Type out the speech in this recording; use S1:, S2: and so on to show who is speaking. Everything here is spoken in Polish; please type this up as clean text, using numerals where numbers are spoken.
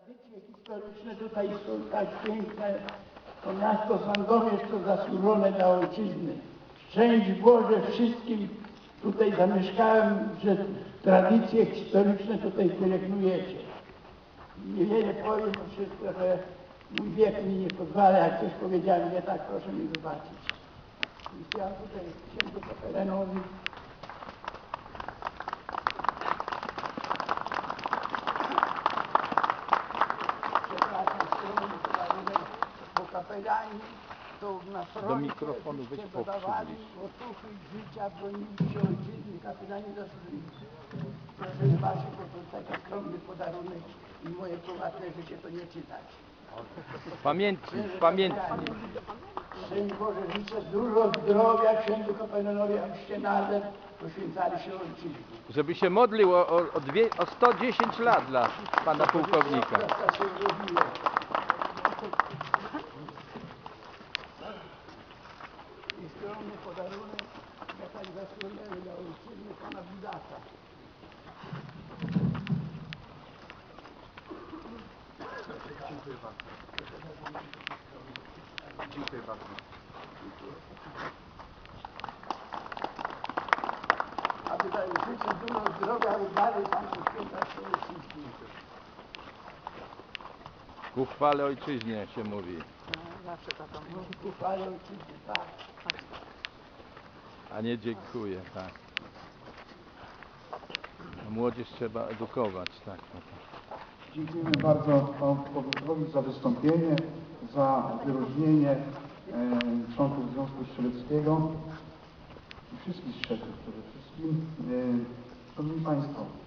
S1: Tradycje historyczne tutaj są tak piękne. To miasto Sandomierz to zasłużone dla ojczyzny. Szczęść Boże wszystkim tutaj zamieszkałem, że tradycje historyczne tutaj pielęgnujecie. Niewiele powiem, bo trochę mój wiek mi nie pozwala, jak coś powiedziałem nie tak, proszę mi wybaczyć. I chciałem tutaj księdzu Kapelanowi kapelani to na froncie dodawali otuchy życia, bronili się ojczyzny, kapelani zasłużyli. Proszę wybaczyć, bo to taki skromny podarunek i moje prywatne życie to nie czytać.
S2: Pamiętnik.
S1: Szczęść Boże, życzę dużo zdrowia księdzu kapelanowi, abyście nadal poświęcali się ojczyźnie.
S2: Żeby się modlił o 110 lat dla pana pułkownika.
S1: I skromny podarunek, tak zasłoniony dla ojczyzny pana Budaka.
S3: Dziękuję bardzo. Dziękuję bardzo.
S1: A tutaj życzę dużo zdrowia, aby dalej tam poświęcać się ojczyźnie.
S2: Ku chwale ojczyźnie się mówi.
S4: Zawsze taką
S1: Ku chwale ojczyzny, tak.
S2: A nie dziękuję, tak. Młodzież trzeba edukować, tak.
S3: Dziękujemy bardzo panu pułkownikowi za wystąpienie, za wyróżnienie członków Związku Strzeleckiego i wszystkich strzelców przede wszystkim. Szanowni Państwo,